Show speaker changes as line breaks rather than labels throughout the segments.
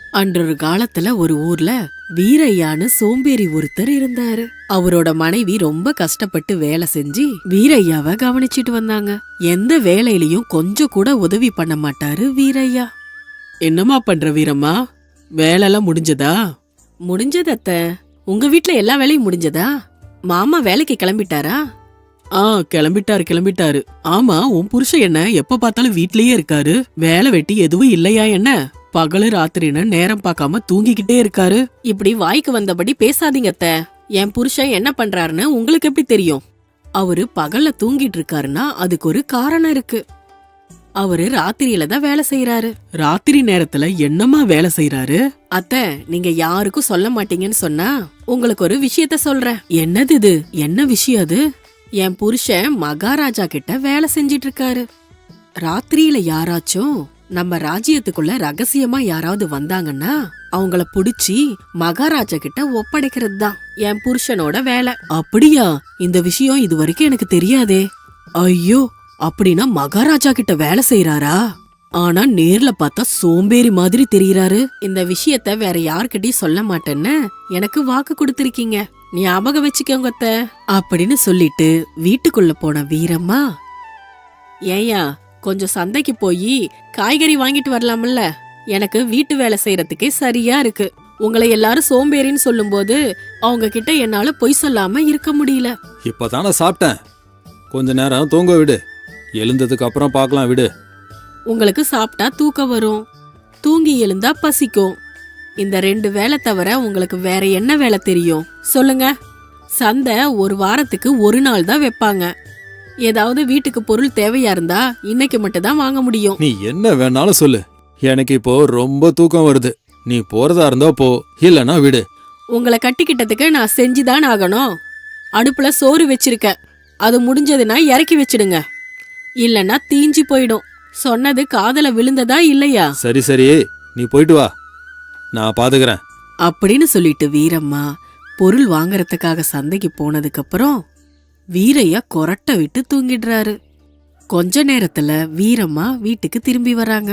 அன்றொரு காலத்துல ஒரு ஊர்ல வீரையான்னு சோம்பேறி ஒருத்தர் இருந்தாரு. அவரோட மனைவி ரொம்ப கஷ்டப்பட்டு வேலை செஞ்சு வீரையாவை கவனிச்சிட்டு வந்தாங்க. எந்த வேலையிலயும் கொஞ்சம் கூட உதவி பண்ண மாட்டாரு வீரையா. என்னம்மா பண்ற வீரம்மா, வேலைலாம் முடிஞ்சதா? முடிஞ்சது அத்த. உங்க வீட்ல எல்லா வேலையும் முடிஞ்சதா? மாமா வேலைக்கு கிளம்பிட்டாரா? கிளம்பிட்டாரு. ஆமா, உன் புருஷன் என்ன எப்ப பார்த்தாலும் வீட்லயே இருக்காரு? வேலை வெட்டி எதுவும் இல்லையா என்ன? பகலு ராத்திரின்னு நேரம் பார்க்காம தூங்கிக்கிட்டே இருக்காரு. இப்படி வாய்க்கு வந்தபடி பேசாதீங்க அத்த. என் புருஷன் என்ன பண்றாருன்னு உங்களுக்கு எப்படி தெரியும்? அவரு பகல்ல தூங்கிட்டு இருக்காருன்னா அதுக்கு ஒரு காரணம் இருக்கு. அவரு ராத்திரியில தான் வேலை செய்யறாரு. ராத்திரி நேரத்துல என்னமா வேலை செய்யறாரு? அத்த, நீங்க யாருக்கும் சொல்ல மாட்டீங்கன்னு சொன்னா உங்களுக்கு ஒரு விஷயத்த சொல்றேன். என்னது இது? என்ன விஷயம் அது? என் புருஷன் மகாராஜா கிட்ட வேலை செஞ்சிட்டு இருக்காரு. ராத்திரியில யாராச்சும் நம்ம ராஜ்யத்துக்குள்ள ரகசியமா யாராவது வந்தாங்கன்னா அவங்கள புடிச்சி மகாராஜா கிட்ட ஒப்படைக்கிறது தான் என் புருஷனோட வேலை. அப்படியா? இந்த விஷயம் இது வரைக்கும் எனக்கு தெரியாதே. ஐயோ, அப்படின்னா மகாராஜா கிட்ட வேலை செய்யறாரா? ஆனா நேர்ல பார்த்தா சோம்பேறி மாதிரி தெரியறாரு. இந்த விஷயத்த வேற யார்கிட்டயும் சொல்ல மாட்டேன்னு எனக்கு வாக்கு கொடுத்திருக்கீங்க, ஞாபகம் வச்சுக்கோங்க அத்த அப்படின்னு சொல்லிட்டு வீட்டுக்குள்ள போன வீரம்மா, ஏயா கொஞ்சம் சந்தைக்கு போய் காய்கறி வாங்கிட்டு வரலாம்ல? எனக்கு வீட்டு வேலை செய்யறதுக்கே சரியா இருக்கு. உங்களை எல்லாரும் சோம்பேறின்னு சொல்லும் போது அவங்க கிட்ட என்னால பொய் சொல்லாம இருக்க முடியல.
இப்பதானே சாப்பிட்டேன், கொஞ்ச நேரம் தூங்க விடு, எழுந்ததுக்கு அப்புறம் பார்க்கலாம் விடு.
உங்களுக்கு சாப்பிட்டா தூக்கம் வரும், தூங்கி எழுந்தா பசிக்கும். இந்த 2 வேலை தவிர உங்களுக்கு வேற என்ன வேலை தெரியும் சொல்லுங்க? சந்தை ஒரு வாரத்துக்கு ஒரு நாள் தான் வைப்பாங்க. ஏதாவது வீட்டுக்கு பொருள் தேவையா இருந்தா இன்னைக்கு மட்டும் தான் வாங்க முடியும்.
நீ என்ன வேணாலும் சொல்லு, எனக்கு இப்போ ரொம்ப தூக்கம் வருது. நீ போறதா இருந்தா போ, இல்லனா விடு.
உங்களை கட்டிக்கிட்டதுக்கு நான் செஞ்சுதான் ஆகணும். அடுப்புல சோறு வச்சிருக்க, அது முடிஞ்சதுன்னா இறக்கி வச்சிடுங்க, இல்லன்னா தீஞ்சு போயிடும். சொன்னது காதல விழுந்ததா இல்லையா?
சரி சரி, நீ போயிட்டு வா, நான் பாத்துக்கிறேன்
அப்படின்னு சொல்லிட்டு வீரம்மா பொருள் வாங்கறதுக்காக சந்தைக்கு போனதுக்கு அப்புறம் வீரையா கொரட்டை விட்டு தூங்கிடுறாரு. கொஞ்ச நேரத்துல வீரம்மா வீட்டுக்கு திரும்பி வராங்க.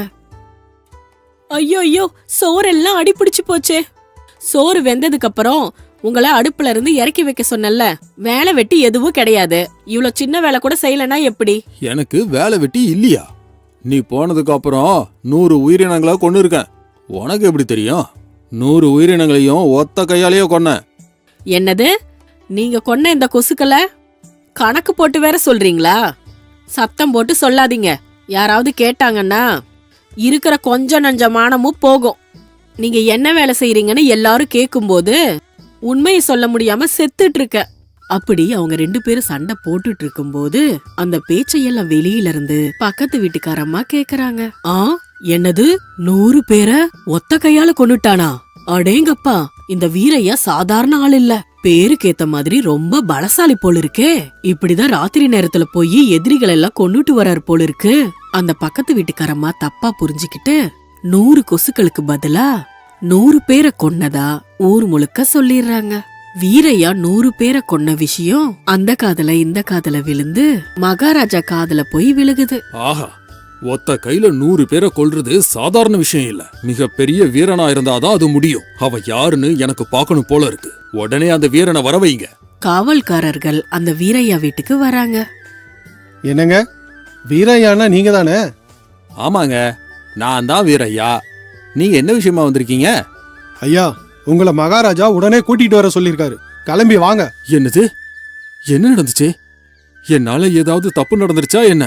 ஐயோ ஐயோ, சோறெல்லாம் அடிபிடிச்சு போச்சே. சோறு வெந்ததுக்கு அப்புறம் உங்களை அடுப்புல இருந்து இறக்கி வைக்க சொன்னல, வேலை வெட்டி எதுவும் கிடையாது. இவ்வளவு சின்ன வேலை கூட செய்யலனா எப்படி?
எனக்கு வேலை வெட்டி இல்லையா? நீ போனதுக்கு அப்புறம் 100 உயிரினங்களா கொண்டு இருக்கேன். உனக்கு எப்படி தெரியும்? 100 உயிரினங்களையும் ஒத்த கையாலேயே கொன்ன.
என்னது? நீங்க கொன்ன இந்த கொசுக்களை கணக்கு போட்டு வேற சொல்றீங்களா? சத்தம் போட்டு சொல்லாதீங்க, யாராவது கேட்டாங்கன்னா இருக்கிற கொஞ்ச நஞ்ச மானமும் போகும். நீங்க என்ன வேலை செய்யறீங்கன்னு எல்லாரும் கேக்கும்போது உண்மையை சொல்ல முடியாம செத்துட்டு இருக்க. அப்படி அவங்க 2 பேரும் சண்டை போட்டுட்டு இருக்கும் போது அந்த பேச்சையெல்லாம் வெளியில இருந்து பக்கத்து வீட்டுக்காரம்மா கேக்குறாங்க. என்னது, 100 பேரை ஒத்த கையால கொன்னுட்டானா? அடேங்கப்பா, இந்த வீரையா சாதாரண ஆள் இல்ல, பேருக்கு ஏத்த மாதிரி ரொம்ப பலசாலி போல இருக்கே. இப்படிதான் ராத்திரி நேரத்துல போய் எதிரிகள் எல்லாம் கொன்னுட்டு வராரு போல இருக்கு. அந்த பக்கத்து வீட்டுக்காரம்மா தப்பா புரிஞ்சுக்கிட்டு 100 கொசுக்களுக்கு பதிலா 100 பேரை கொன்னதா ஊர் முழுக்க சொல்லிடுறாங்க. வீரையா 100 பேரை கொன்ன விஷயம் அந்த காதுல இந்த காதுல விழுந்து மகாராஜா காதுல போய் விழுகுது.
ஆஹா, ஒத்த கையில 100 பேரை கொல்றது சாதாரண விஷயம் இல்ல, மிகப்பெரிய வீரனா இருந்தாதான் அது முடியும். அவ யாருன்னு எனக்கு பார்க்கணும் போல இருக்கு. உடனே அந்த வீரனை வர வைங்க.
காவல்காரர்கள் அந்த வீரையா வீட்டுக்கு வராங்க.
என்னங்க, வீரையானா நீங்க தானே?
ஆமாங்க, நான் தான் வீரையா. நீங்க என்ன விஷயமா வந்திருக்கீங்க?
ஐயா, உங்களை மகாராஜா உடனே கூட்டிட்டு வர சொல்லிருக்காரு, கிளம்பி வாங்க.
என்னது? என்ன நடந்துச்சு? என்னால ஏதாவது தப்பு நடந்துருச்சா என்ன?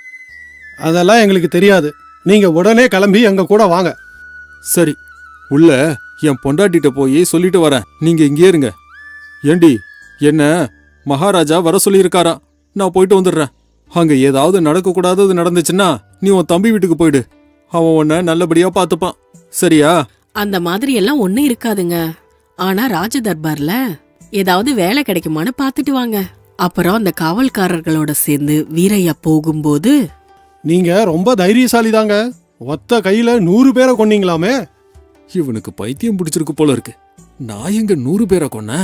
அதெல்லாம் எங்களுக்கு தெரியாது, நீங்க உடனே கிளம்பி எங்க கூட வாங்க.
சரி, உள்ள என் பொண்டாட்டிட்ட போய் சொல்லிட்டு வரேன், நீங்க இங்கே இருங்க. ஏண்டி, என்ன மகாராஜா வர சொல்லியிருக்காரா? நான் போயிட்டு வந்துடுறேன். அங்க ஏதாவது நடக்கக்கூடாதது நடந்துச்சுன்னா நீ உன் தம்பி வீட்டுக்கு போயிடு, அவன் உன்னை நல்லபடியா பாத்துப்பான், சரியா?
அந்த மாதிரி எல்லாம் ஒண்ணு இருக்காதுங்க. ஆனா ராஜ தர்பார்ல ஏதாவது வேலை கிடைக்குமான்னு பாத்துட்டு வாங்க. அப்புறம் அந்த காவல்காரர்களோட சேர்ந்து வீரையா போகும்போது,
நீங்க ரொம்ப தைரியசாலி தாங்க, ஒத்த கையில 100 பேரை கொன்னீங்களாமே.
இவனுக்கு பைத்தியம் பிடிச்சிருக்கு போல இருக்கு. நான் எங்க 100 பேரை கொன்ன?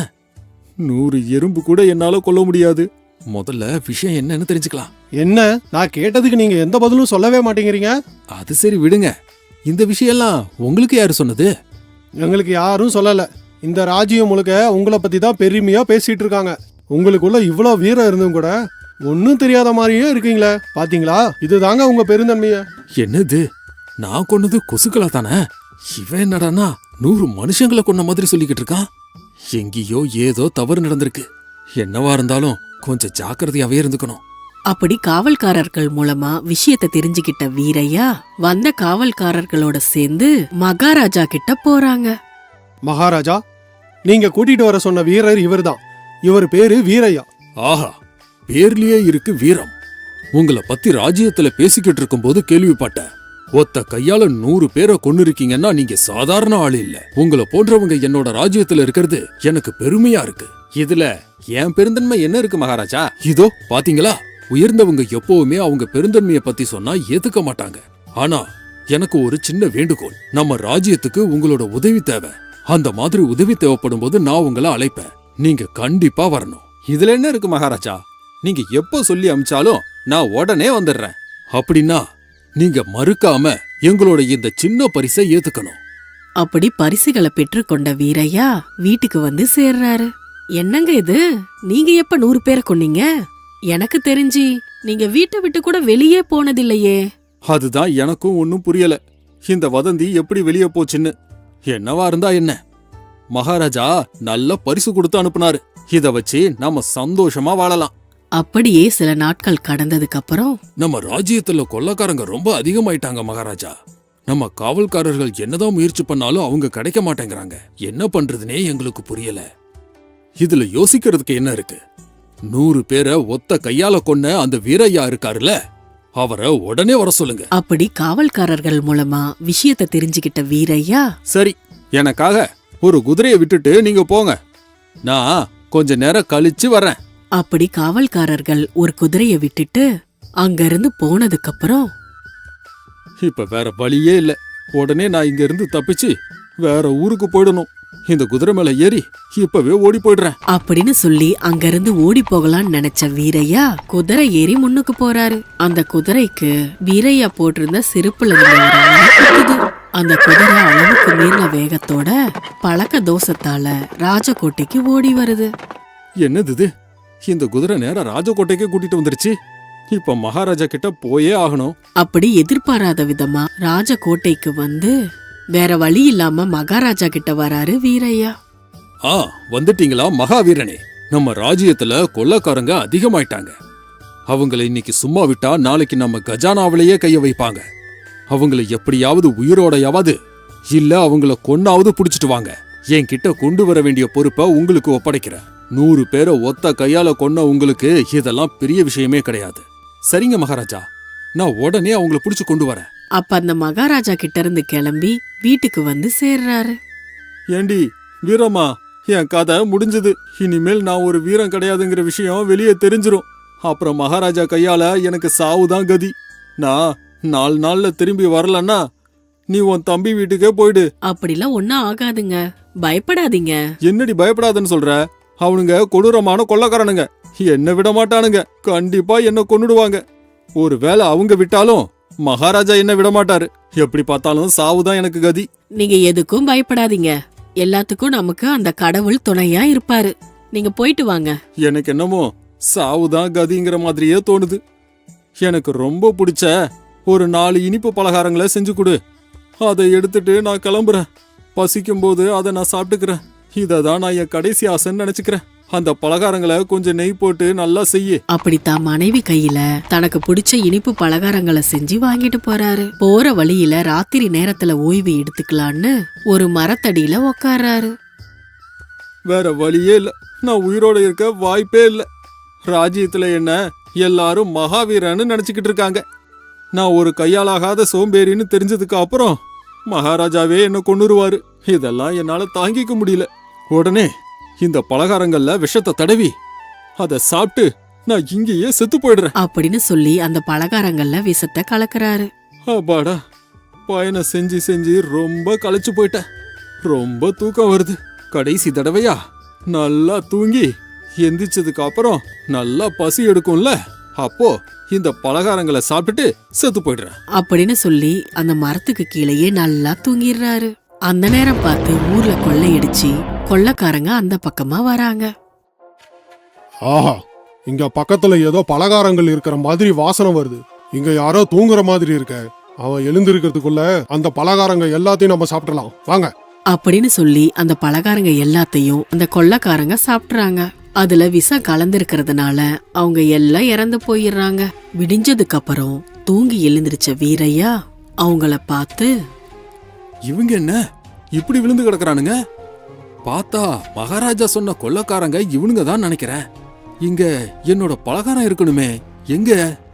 100 எறும்பு கூட என்னால கொல்ல முடியாது. முதல்ல விஷயம் என்னன்னு தெரிஞ்சுக்கலாம்.
என்ன, நான் கேட்டதுக்கு நீங்க எந்த பதிலும் சொல்லவே மாட்டேங்கிறீங்க?
அது சரி விடுங்க, இந்த விஷயம் எல்லாம் உங்களுக்கு யாரு சொன்னது?
எங்களுக்கு யாரும் சொல்லல. இந்த ராஜ்யம் முழுக்க உங்களை பத்தி தான் பெருமையா பேசிட்டு இருக்காங்க. உங்களுக்குள்ள இவ்வளோ வீரம் இருந்தும் கூட ஒன்னும் தெரியாத மாதிரியே இருக்கீங்களே. பாத்தீங்களா, இதுதாங்க உங்க பெருந்தன்மைய.
என்னது, நான் கொன்னது கொசுக்களா தானே? இவன் என்னடானா 100 மனுஷங்களை கொன்ன மாதிரி சொல்லிக்கிட்டு இருக்கான். எங்கேயோ ஏதோ தவறு நடந்திருக்கு. என்னவா இருந்தாலும் கொஞ்சம் ஜாக்கிரதையாவே இருந்துக்கணும்.
அப்படி காவல்காரர்கள் மூலமா விஷயத்தை தெரிஞ்சுக்கிட்ட வீரையா வந்த காவல்காரர்களோட சேர்ந்து மகாராஜா கிட்ட போறாங்க.
மகாராஜா, நீங்க கூட்டிட்டு வர சொன்ன வீரர் இவர்தான். இவர் பேரு வீரையா.
ஆஹா, பேர்லயே இருக்கு வீரம். உங்களை பத்தி ராஜ்யத்துல பேசிக்கிட்டு இருக்கும்போது கேள்விப்பட்டேன். ஒத்த கையால 100 பேரை கொன்னு இருக்கீங்கன்னா நீங்க சாதாரண ஆளு இல்ல. உங்களை போன்றவங்க என்னோட ராஜ்யத்துல இருக்கிறது எனக்கு பெருமையா இருக்கு. இதுல என் பெருந்தன்மை என்ன இருக்கு மகாராஜா? இதோ பாத்தீங்களா, உயர்ந்தவங்க எப்பவுமே அவங்க பெருந்தன்மையை பத்தி சொன்னா ஏத்துக்க மாட்டாங்க. ஆனா எனக்கு ஒரு சின்ன வேண்டுகோள். நம்ம ராஜ்யத்துக்கு உங்களோட உதவி தேவை. அந்த மாதிரி உதவி தேவைப்படும் போது நான் உங்களை அழைப்பேன். நீங்க கண்டிப்பா வரணும். இதுல என்ன இருக்கு மகாராஜா? நீங்க எப்போ சொல்லி அமிச்சாலும் நான் உடனே வந்துடுறேன். அப்படின்னா நீங்க மறுக்காம எங்களோட இந்த சின்ன பரிசை ஏத்துக்கணும்.
அப்படி பரிசுகளை பெற்றுக்கொண்ட வீரையா வீட்டுக்கு வந்து சேர்றாரு. என்னங்க இது, நீங்க எப்ப 100 பேரை கொன்னீங்க? எனக்கு தெரிஞ்சு நீங்க வீட்டை விட்டு கூட வெளியே போனதில்லையே.
அதுதான் எனக்கும் ஒன்னும் புரியல. இந்த வதந்தி எப்படி வெளியே போச்சுன்னு. என்னவா இருந்தா என்ன, மகாராஜா நல்ல பரிசு கொடுத்து அனுப்புனாரு. இத வச்சு நாம சந்தோஷமா வாழலாம்.
அப்படியே சில நாட்கள் கடந்ததுக்கு அப்புறம்
நம்ம ராஜ்யத்துல கொள்ளக்காரங்க ரொம்ப அதிகமாயிட்டாங்க மகாராஜா. நம்ம காவல்காரர்கள் என்னதான் முயற்சி பண்ணாலும் அவங்க கிடைக்க மாட்டேங்கிறாங்க. என்ன பண்றதுனே எங்களுக்கு புரியல. இதுல யோசிக்கிறதுக்கு என்ன இருக்கு? 100 பேரை ஒத்த கையால கொன்ன அந்த வீரையா இருக்காருல, அவரை உடனே வர சொல்லுங்க.
அப்படி காவல்காரர்கள் மூலமா விஷயத்தை தெரிஞ்சுக்கிட்ட வீரையா,
சரி, எனக்காக ஒரு குதிரையை விட்டுட்டு நீங்க போங்க. நான் கொஞ்ச நேரம் கழிச்சு வரேன்.
அப்படி காவல்காரர்கள் ஒரு குதிரைய விட்டுட்டு அங்கிருந்து போனதுக்கு அப்புறம்
இப்ப வேற வழியே இல்ல. உடனே நான் இங்க இருந்து தப்பிச்சு வேற ஊருக்கு போயிடணும். இந்த குதிரை மேல ஏறி இப்பவே ஓடி போயிடுறேன்
அப்படின்னு சொல்லி அங்கிருந்து ஓடி போகலான்னு நினைச்ச வீரையா குதிரை ஏறி முன்னுக்கு போறாரு. அந்த குதிரைக்கு வீரையா போட்டிருந்த சிறுப்புல இருந்த அந்த குதிரை அளவுக்கு மீறின வேகத்தோட பழக்க தோஷத்தால ராஜகோட்டைக்கு ஓடி வருது.
என்னது இது? இந்த குதிரை நேரா ராஜகோட்டைக்கே கூட்டிட்டு வந்துருச்சு. இப்ப மகாராஜா கிட்ட போயே ஆகணும்.
அப்படி எதிர்பாராத விதமா ராஜகோட்டைக்கு வந்து வேற வழி இல்லாம மகாராஜா கிட்ட வராரு வீரையா.
வந்துட்டீங்களா மகாவீரனே? நம்ம ராஜ்யத்துல கொள்ளக்காரங்க அதிகமாயிட்டாங்க. அவங்கள இன்னைக்கு சும்மா விட்டா நாளைக்கு நம்ம கஜானாவிலேயே கைய வைப்பாங்க. அவங்கள எப்படியாவது உயிரோடையாவது இல்ல அவங்கள கொன்னாவது புடிச்சிட்டு வாங்க. என்கிட்ட கொண்டு வர வேண்டிய பொறுப்பை உங்களுக்கு ஒப்படைக்கிறேன். 100 பேரை ஒத்த கையால கொன்ன உங்களுக்கு இதெல்லாம் பெரிய விஷயமே கிடையாது. சரிங்க மகாராஜா, நான் உடனே அவங்கள புடிச்சு கொண்டு வரேன்.
அப்ப அந்த மகாராஜா கிட்ட இருந்து கிளம்பி வீட்டுக்கு வந்து சேர்றாரு.
ஏண்டி வீரமா, என் கதை முடிஞ்சது. இனிமேல் நான் ஒரு வீரம் கிடையாதுங்கிற விஷயம் வெளியே தெரிஞ்சிரும். அப்புறம் மகாராஜா கையால எனக்கு சாவுதான் கதி. நான் 4 நாள்ல திரும்பி வரலன்னா நீ உன் தம்பி வீட்டுக்கே போயிடு.
அப்படிலாம் ஒன்னும் ஆகாதுங்க, பயப்படாதீங்க.
என்னடி பயப்படாதுன்னு சொல்ற? அவனுங்க கொடூரமான கொள்ளக்காரனுங்க. என்ன விட மாட்டானுங்க. கண்டிப்பா என்ன கொன்னுடுவாங்க. ஒருவேளை அவங்க விட்டாலும் மகாராஜா என்ன விட மாட்டாரு. எப்படி பார்த்தாலும் சாவுதான் எனக்கு கதி.
நீங்க எதுக்கும் பயப்படாதீங்க. எல்லாத்துக்கும் நமக்கு அந்த கடவுள் துணையா இருப்பாரு. நீங்க போயிட்டு வாங்க.
எனக்கு என்னமோ சாவுதான் கதிங்கிற மாதிரியே தோணுது. எனக்கு ரொம்ப பிடிச்ச ஒரு 4 இனிப்பு பலகாரங்களை செஞ்சு கொடு. அதை எடுத்துட்டு நான் கிளம்புறேன். பசிக்கும் போது அதை நான் சாப்பிட்டுக்கிறேன். இததான் நான் என் கடைசி ஆசைன்னு நினைச்சுக்கிறேன். அந்த பலகாரங்களை கொஞ்சம் நெய் போட்டு நல்லா செய்ய.
அப்படித்தான் மனைவி கையில தனக்கு பிடிச்ச இனிப்பு பலகாரங்களை செஞ்சு வாங்கிட்டு போறாரு. போற வழியில ராத்திரி நேரத்துல ஓய்வு எடுத்துக்கலான்னு ஒரு மரத்தடியில உக்காராரு.
வேற வழியே இல்ல. நான் உயிரோட இருக்க வாய்ப்பே இல்ல. ராஜ்யத்துல என்ன எல்லாரும் மகாவீரன்னு நினைச்சுக்கிட்டு இருக்காங்க. நான் ஒரு கையாலாகாத சோம்பேறின்னு தெரிஞ்சதுக்கு அப்புறம் மகாராஜாவே என்ன கொன்னுருவாரு. இதெல்லாம் என்னால தாங்கிக்க முடியல. உடனே இந்த பலகாரங்கள்ல விஷத்தை தடவி அதை சாப்பிட்டு நான் இங்கேயே செத்து போயிடுறேன்
அப்படின்னு சொல்லி அந்த பலகாரங்கள்ல விஷத்தை கலக்குறாரு.
அப்பாடா, பயணம் செஞ்சு செஞ்சு ரொம்ப களைச்சு போயிட்டேன். ரொம்ப தூக்கம் வருது. கடைசி தடவையா நல்லா தூங்கி எந்திரிச்சதுக்கு அப்புறம் நல்லா பசி எடுக்கும்ல, அப்போ இந்த பலகாரங்களை சாப்பிட்டுட்டு செத்து போயிடுறேன்
அப்படின்னு சொல்லி அந்த மரத்துக்கு கீழேயே நல்லா தூங்கிடுறாரு. அந்த நேரம் பார்த்து ஊர்ல கொள்ளையடிச்சு கொள்ளைக்காரங்க அந்த பக்கமா வராங்க.
ஆஹா, இங்க பக்கத்துல ஏதோ பலகாரங்கள் இருக்கிற மாதிரி வாசனை வருது. இங்க யாரோ தூங்குற மாதிரி இருக்க. அவன் எழுந்திருக்கிறதுக்குள்ள அந்த பலகாரங்க எல்லாத்தையும் நம்ம சாப்பிடலாம், வாங்க.
அப்படின்னு சொல்லி அந்த பலகாரங்க எல்லாத்தையும் அந்த கொள்ளைக்காரங்க சாப்பிட்றாங்க. அதுல விஷம் கலந்திருக்கிறதுனால அவங்க எல்லாம் இறந்து போயிடுறாங்க. விடிஞ்சதுக்கு அப்புறம் தூங்கி எழுந்திருச்ச வீரையா அவங்கள பார்த்து,
இவங்க என்ன இப்படி விழுந்து கிடக்குறானுங்க? பார்த்தா மகாராஜா சொன்ன கொள்ளைக்காரங்க இவனுங்க தான் நினைக்கிறேன். இங்க என்னோட பலகாரம் இருக்கணுமே, எங்க?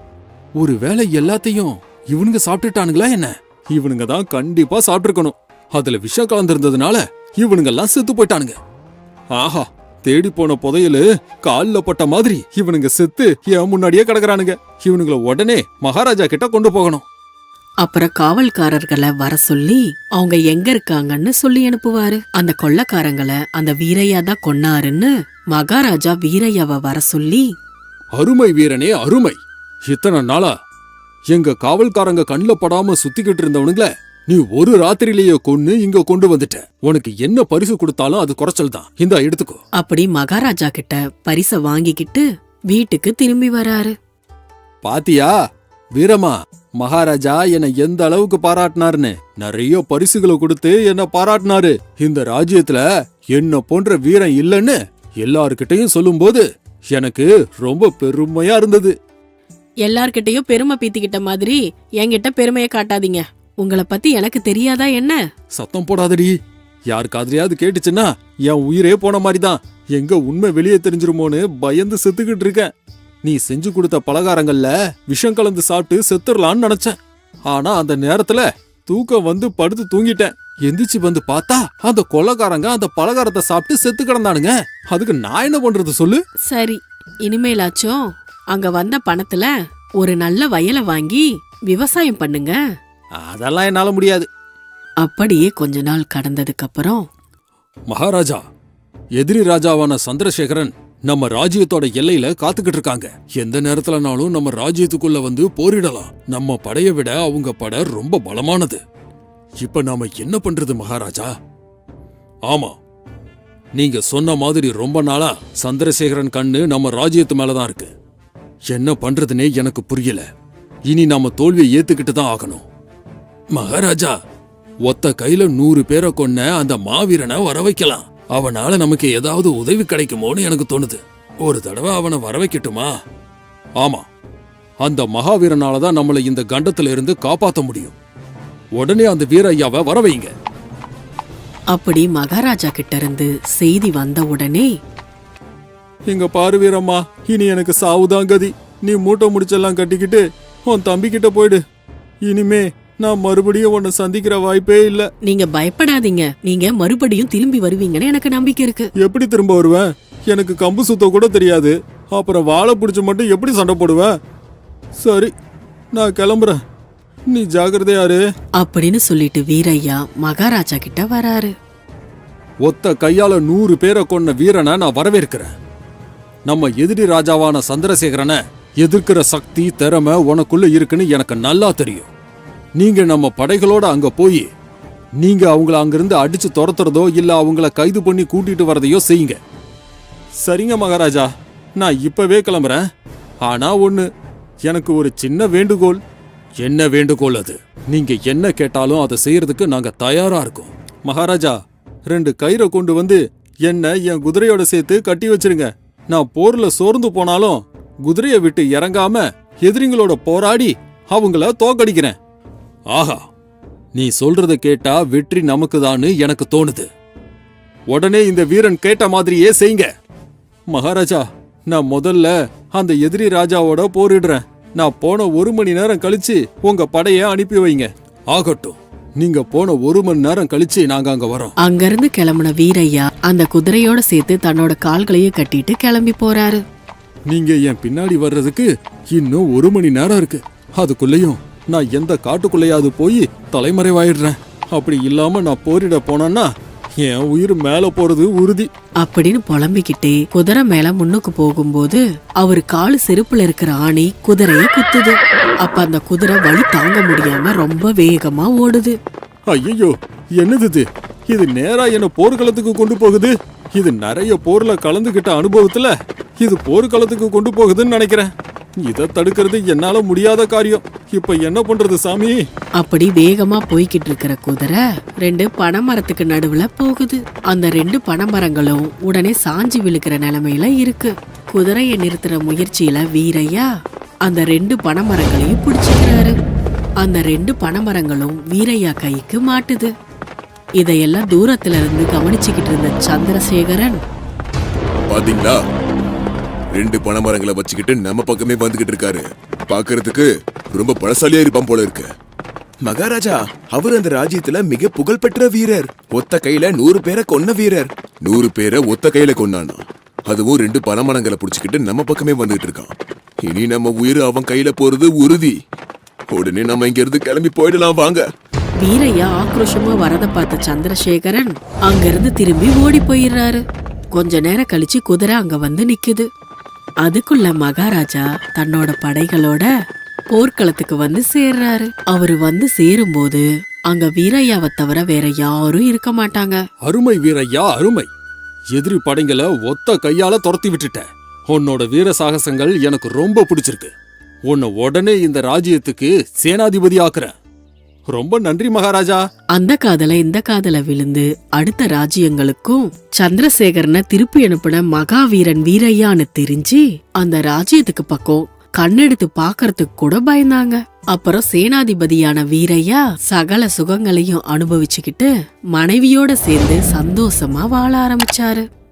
ஒரு வேளை எல்லாத்தையும் இவனுங்க சாப்பிட்டுட்டானுங்களா என்ன? இவனுங்க தான் கண்டிப்பா சாப்பிட்டுருக்கணும். அதுல விஷம் கலந்திருந்ததுனால இவனுங்கெல்லாம் செத்து போயிட்டானுங்க. ஆஹா, தேடி போன புதையலு கால்ல பட்ட மாதிரி இவனுங்க செத்து என் முன்னாடியே கிடக்குறானுங்க. இவனுங்களை உடனே மகாராஜா கிட்ட கொண்டு போகணும்.
அப்புறம் காவல்காரர்களை வர சொல்லி அவங்க எங்க இருக்காங்கன்னு சொல்லி அனுப்புவாரு. அந்த கொள்ளைக்காரங்களை அந்த வீரையா தான் கொன்னாருன்னு மகாராஜா வீரையாவை வர சொல்லி,
அருமை வீரனே அருமை, இத்தனை நாளா எங்க காவல்காரங்க கண்ணுல படாம சுத்திக்கிட்டு இருந்தவனுங்கள நீ ஒரு ராத்திரிலேயே கொன்னு இங்க கொண்டு வந்துட்ட. உனக்கு என்ன பரிசு கொடுத்தாலும் அது குறைச்சல் தான். இந்தா எடுத்துக்கோ.
அப்படி மகாராஜா கிட்ட பரிச வாங்கிக்கிட்டு வீட்டுக்கு திரும்பி வராரு.
பாத்தியா வீரமா, மகாராஜா என்னை எந்த அளவுக்கு பாராட்டினாருன்னு. நிறைய பரிசுகளை கொடுத்து என்ன பாராட்டினாரு. இந்த ராஜ்யத்துல என்ன போன்ற வீரன் இல்லைன்னு எல்லார்கிட்டையும் சொல்லும்போது எனக்கு ரொம்ப பெருமையா இருந்தது.
எல்லார்கிட்டயும் பெருமை பீத்திக்கிட்ட மாதிரி என்கிட்ட பெருமையை காட்டாதீங்க. உங்களை பத்தி எனக்கு தெரியாதா என்ன?
சத்தம் போடாதடி. யார் காதுலயாவது கேட்டுச்சுன்னா என் உயிரே போன மாதிரிதான். எங்க உண்மை வெளியே தெரிஞ்சிருமோன்னு பயந்து செத்துக்கிட்டு இருக்கேன். நீ செஞ்சு கொடுத்த பலகாரங்கள்ல விஷம் கலந்து சாப்பிட்டு செத்துடலான்னு நினைச்சேன். ஆனா அந்த நேரத்துல தூக்கம் வந்து படுத்து தூங்கிட்டேன். எந்திரிச்சு வந்து பார்த்தா அந்த கொள்ளைக்காரங்க அந்த பலகாரத்தை சாப்பிட்டு செத்து கிடந்தானுங்க. அதுக்கு நான் என்ன பண்றது சொல்லு?
சரி, இனிமேலாச்சும் அங்க வந்த பணத்துல ஒரு நல்ல வயலை வாங்கி விவசாயம் பண்ணுங்க.
அதெல்லாம் என்னால முடியாது.
அப்படியே கொஞ்ச நாள் கடந்ததுக்கு அப்புறம்,
மகாராஜா, எதிரி ராஜாவான சந்திரசேகரன் நம்ம ராஜ்யத்தோட எல்லையில காத்துக்கிட்டு இருக்காங்க. எந்த நேரத்துலனாலும் நம்ம ராஜ்யத்துக்குள்ள வந்து போரிடலாம். நம்ம படைய விட அவங்க படை ரொம்ப பலமானது. இப்ப நாம என்ன பண்றது மகாராஜா? ஆமா, நீங்க சொன்ன மாதிரி ரொம்ப நாளா சந்திரசேகரன் கண்ணு நம்ம ராஜ்யத்து மேலதான் இருக்கு. என்ன பண்றதுனே எனக்கு புரியல. இனி நாம தோல்வியை ஏத்துக்கிட்டு தான் ஆகணும். மகாராஜா, ஒத்த கையில 100 பேரை கொன்ன அந்த மாவீரனை வர வைக்கலாம். அவனால நமக்கு ஏதாவது உதவி கிடைக்குமோன்னு எனக்கு தோணுது. ஒரு தடவை அவனை வர வைக்கட்டுமா? ஆமா, அந்த மகாவீரனாலதான் நம்மளை இந்த கண்டத்துல இருந்து காப்பாத்த முடியும். உடனே அந்த வீரையாவை வர வைங்க.
அப்படி மகாராஜா கிட்ட இருந்து செய்தி வந்த உடனே,
இங்க பாரு வீரம்மா, இனி எனக்கு சாவுதான் கதி. நீ மூட்டை முடிச்செல்லாம் கட்டிக்கிட்டு உன் தம்பி கிட்ட போயிடு. இனிமே நான் மறுபடியும் உன்னை சந்திக்கிற வாய்ப்பே இல்ல.
நீங்க பயப்படாதீங்க. நீங்க மறுபடியும் திரும்பி வருவீங்கன்னு எனக்கு நம்பிக்கை இருக்கு.
எப்படி திரும்ப வருவேன்? எனக்கு கம்பு சுத்த கூட தெரியாது. அப்புறம் வாழை பிடிச்சு மட்டும் எப்படி சண்டை போடுவேன்? சரி, நான் கிளம்புறேன். நீ ஜாக்கிரதையாரு.
அப்படின்னு சொல்லிட்டு வீரையா மகாராஜா கிட்ட வராரு.
ஒத்த கையால 100 பேரை கொன்ன வீரனை நான் வரவேற்கிறேன். நம்ம எதிரி ராஜாவான சந்திரசேகரனை எதிர்க்கிற சக்தி திறமை உனக்குள்ள இருக்குன்னு எனக்கு நல்லா தெரியும். நீங்க நம்ம படைகளோட அங்க போய் நீங்க அவங்கள அங்கிருந்து அடிச்சு துரத்துறதோ இல்ல அவங்கள கைது பண்ணி கூட்டிட்டு வரதையோ செய்யுங்க. சரிங்க மகாராஜா, நான் இப்பவே கிளம்புறேன். ஆனா ஒண்ணு, எனக்கு ஒரு சின்ன வேண்டுகோள். என்ன வேண்டுகோள் அது? நீங்க என்ன கேட்டாலும் அதை செய்யறதுக்கு நாங்க தயாரா இருக்கோம். மகாராஜா, 2 கயிறை கொண்டு வந்து என்ன என் குதிரையோட சேர்த்து கட்டி வச்சிருங்க. நான் போர்ல சோர்ந்து போனாலும் குதிரையை விட்டு இறங்காம எதிரிங்களோட போராடி அவங்கள தோக்கடிக்கிறேன். ஆஹா, நீ சொல்றத கேட்டா வெற்றி நமக்குதான்னு எனக்கு தோணுது. உடனே இந்த வீரன் கேட்ட மாதிரியே செய்யுங்க. மகாராஜா, நான் முதல்ல அந்த எதிரி ராஜாவோட போரிடுறேன். நான் போன 1 மணி நேரம் கழிச்சு உங்க படைய அனுப்பி வைங்க. ஆகட்டும், நீங்க போன 1 மணி நேரம் கழிச்சு நாங்க அங்க வரோம்.
அங்கிருந்து கிளம்புன வீரையா அந்த குதிரையோட சேர்த்து தன்னோட கால்களையும் கட்டிட்டு கிளம்பி போறாரு.
நீங்க என் பின்னாடி வர்றதுக்கு இன்னும் 1 மணி நேரம் இருக்கு. அதுக்குள்ளேயும் நான் எந்த காட்டுக்குள்ளையாவது போய் தலைமறைவாயிடுறேன். அப்படி இல்லாம நான் போரிட போனேன்னா என் உயிர் மேல போறது உறுதி.
அப்படின்னு புலம்பிக்கிட்டே குதிரை மேல முன்னுக்கு போகும்போது அவரு காலு செருப்புல இருக்கிற ஆணி குதிரைய குத்துது. அப்ப அந்த குதிரை வலி தாங்க முடியாம ரொம்ப வேகமா ஓடுது.
ஐயோ, என்னது இது? இது நேரா என்ன போர்க்களத்துக்கு கொண்டு போகுது. இது நிறைய போர்ல கலந்துகிட்ட அனுபவத்துல இது போர்க்களத்துக்கு கொண்டு போகுதுன்னு நினைக்கிறேன். இதை தடுக்கிறது என்னால முடியாத காரியம். இப்ப என்ன பண்றது சாமி?
அப்படி வேகமா போய்கிட்டு இருக்கிற குதிரை 2 பனைமரத்துக்கு நடுவுல போகுது. அந்த 2 பனைமரங்களும் உடனே சாஞ்சி விழுக்கிற நிலைமையில இருக்கு. குதிரையை நிறுத்துற முயற்சியில வீரையா அந்த 2 பனைமரங்களையும் பிடிச்சுக்கிறாரு. அந்த 2 பனைமரங்களும் வீரையா கைக்கு மாட்டுது. இதையெல்லாம் தூரத்துல இருந்து கவனிச்சுக்கிட்டு இருந்த சந்திரசேகரன்,
பாத்தீங்களா, 2 பனைமரங்களை வச்சுக்கிட்டு நம்ம பக்கமே வந்துகிட்டு இருக்காரு. பாக்குறதுக்கு ரொம்ப பழசாலியா இருப்பான் போல இருக்கு. மகாராஜா, அவர் அந்த ராஜ்யத்துல மிக புகழ்பெற்ற வீரர். ஒத்த கையில 100 பேரை கொன்ன வீரர். 100 பேரை ஒத்த கையில கொன்னானா, அதுவும் 2 பனைமரங்களை புடிச்சுக்கிட்டு நம்ம பக்கமே வந்துகிட்டு இருக்கான். இனி நம்ம உயிர் அவன் கையில போறது உறுதி. உடனே நம்ம இங்க இருந்து கிளம்பி போயிடலாம் வாங்க.
வீரையா ஆக்ரோஷமா வரத பார்த்த சந்திரசேகரன் அங்கிருந்து திரும்பி ஓடி போயிடுறாரு. கொஞ்ச நேரம் கழிச்சு குதிரை அங்க வந்து நிக்குது. அதுக்குள்ள மகாராஜா தன்னோட படைகளோட போர்க்களத்துக்கு வந்து சேர்றாரு. அவரு வந்து சேரும்போது அங்க வீரையாவை தவிர வேற யாரும் இருக்க மாட்டாங்க.
அருமை வீரையா, அருமை. எதிரி படைங்களை ஒத்த கையால துரத்தி விட்டுட்ட. உன்னோட வீர சாகசங்கள் எனக்கு ரொம்ப பிடிச்சிருக்கு. உன்னை உடனே இந்த ராஜ்யத்துக்கு சேனாதிபதி ஆக்குறேன். ரொம்ப நன்றி மகாராஜா.
அந்த காதல இந்த காதல விழுந்து அடுத்த ராஜ்யங்களுக்கும் சந்திரசேகரனை திருப்பி அனுப்பின மகாவீரன் வீரையான்னு தெரிஞ்சு அந்த ராஜ்யத்துக்கு பக்கம் கண்ணெடுத்து பாக்கறதுக்கு கூட பயந்தாங்க. அப்புறம் சேனாதிபதியான வீரையா சகல சுகங்களையும் அனுபவிச்சுக்கிட்டு மனைவியோட சேர்ந்து சந்தோஷமா வாழ ஆரம்பிச்சாரு.